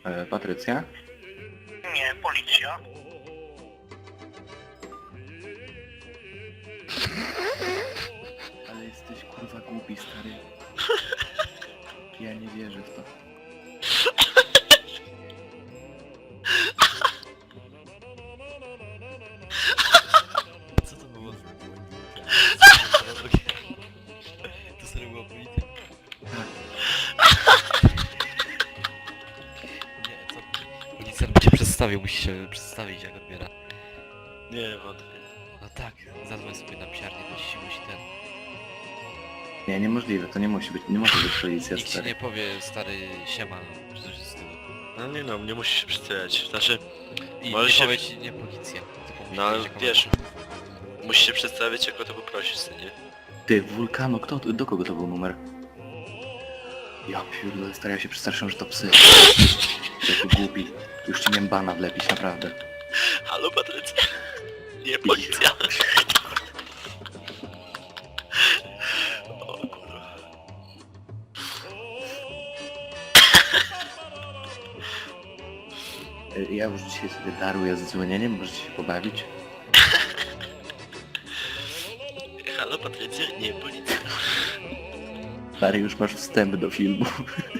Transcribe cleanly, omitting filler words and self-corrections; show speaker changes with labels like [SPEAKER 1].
[SPEAKER 1] Patrycja?
[SPEAKER 2] Nie, policja.
[SPEAKER 1] Ale jesteś kurwa głupi, stary. Ja nie wierzę w to.
[SPEAKER 3] Co to było? To serio była policja? Nie, co? Policjant by cię przedstawił, musi się przedstawić jak odbiera.
[SPEAKER 4] Nie, wątpię.
[SPEAKER 3] No tak, zadzwoń sobie na psiarnię, bo ci musi ten...
[SPEAKER 1] Nie, niemożliwe, to nie musi być, nie może być policja,
[SPEAKER 3] Nikt ci
[SPEAKER 1] stary.
[SPEAKER 3] nie powie, stary, siema, czy coś z tyłu.
[SPEAKER 4] No nie no, nie musisz się przedstawiać. Znaczy,
[SPEAKER 3] I
[SPEAKER 4] Może
[SPEAKER 3] nie
[SPEAKER 4] się-
[SPEAKER 3] powie ci nie policja, tylko musi
[SPEAKER 4] no
[SPEAKER 3] powiedzieć, jaką
[SPEAKER 4] wiesz,
[SPEAKER 3] masz.
[SPEAKER 4] musisz się przedstawić, jak o to poprosisz, co nie?
[SPEAKER 1] Ty, Wulkano, do kogo to był numer? Ja pierdolę, stary, ja się przestraszyłem, że to psy. Jaki głupi. Już ci miałem bana wlepić, naprawdę.
[SPEAKER 4] Halo, Patrycja. Nie, policja. O kurwa.
[SPEAKER 1] Ja już dzisiaj sobie daruję z dzwonieniem, możecie się pobawić.
[SPEAKER 4] Halo, Patrycja. Nie, policja.
[SPEAKER 1] Stary, już masz wstęp do filmu.